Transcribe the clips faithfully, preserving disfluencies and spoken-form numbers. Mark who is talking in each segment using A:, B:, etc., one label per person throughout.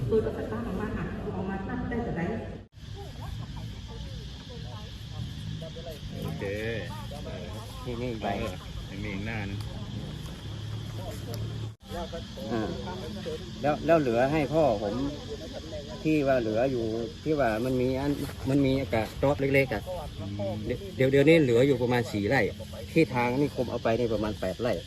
A: tôi có tất cả bằng ma hạtของมาตั้งได้แต่ไหน
B: โอเค
C: นี่นี่ใบ
B: ยังมีอีกหน้านึง
C: แล้วแล้วเหลือให้พ่อผมที่ว่าเหลืออยู่ที่ว่ามันมีอันมันมีกระต๊อบเล็กๆอ่ะเดี๋ยวเดี๋ยวนี้เหลืออยู่ประมาณสี่ไร่ที่ทางนี่คมเอาไปนี่ประมาณแปดไร่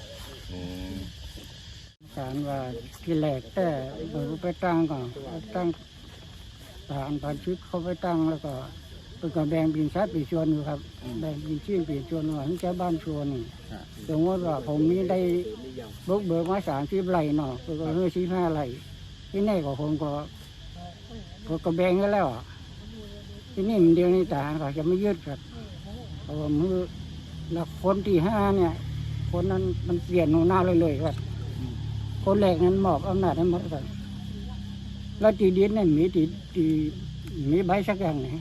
D: สารว่าที่แหลกแต่เปิดไปตั้งก่อนตั้งสารพันชุดเขาไปตั้งแล้วก็เป็นการแบ่งบินชัดปีชวนอยู่ครับแบ่งบินชื่อปีชวนว่าทั้งเจ้าบ้านชวนนี่สมมติว่าผมมีได้บุกเบิกมาสามสิบไร่เนาะก็เฮือสิบห้าไร่ที่นี่ก็ผมก็ก็แบ่งกันแล้วที่นี่มันเดียวนี้ทหารเขาจะไม่ยึดครับเพราะว่ามือหลักคนที่ห้าเนี่ยคนนั้นมันเปลี่ยนหัวหน้าเลยเลยครับคนแรกนั้นมอบอำนาจให้หมดเลยแล้วตีดินเนี่ยมีตีตีมีใบสักอย่างไหน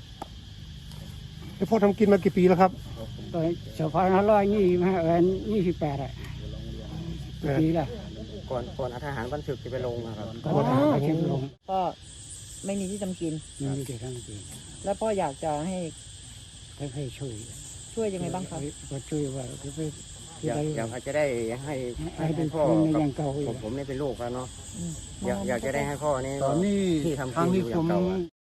E: พ่อทำกินมากี่ปีแล้วครับ
D: ตอนสองพันห้าร้อยยี่สิบห้าเอ็นยี่สิบแปดอะปีละ
C: ก่อนก่อนทหารบันทึกจะไปลงนะครับ
D: ก่อนทหารบันทึกลง
F: ก็ไม่มีที่ทำกิน
D: ไม่มีที่ทำกิน
F: แล้วพ่ออยากจะให้
D: ให้ช่วย
F: ช่วยยังไงบ้างครับ
D: ก็ช่วยว่าจะไป
C: อยากอยากจะได้ให้ให้พ่อผมผมนี่เป็นลูกแล้วเนาะอยากอยากจะได้ให้พ่อนี่
E: ตอนนี้
C: ที่ทำ
E: ทางนี้ผม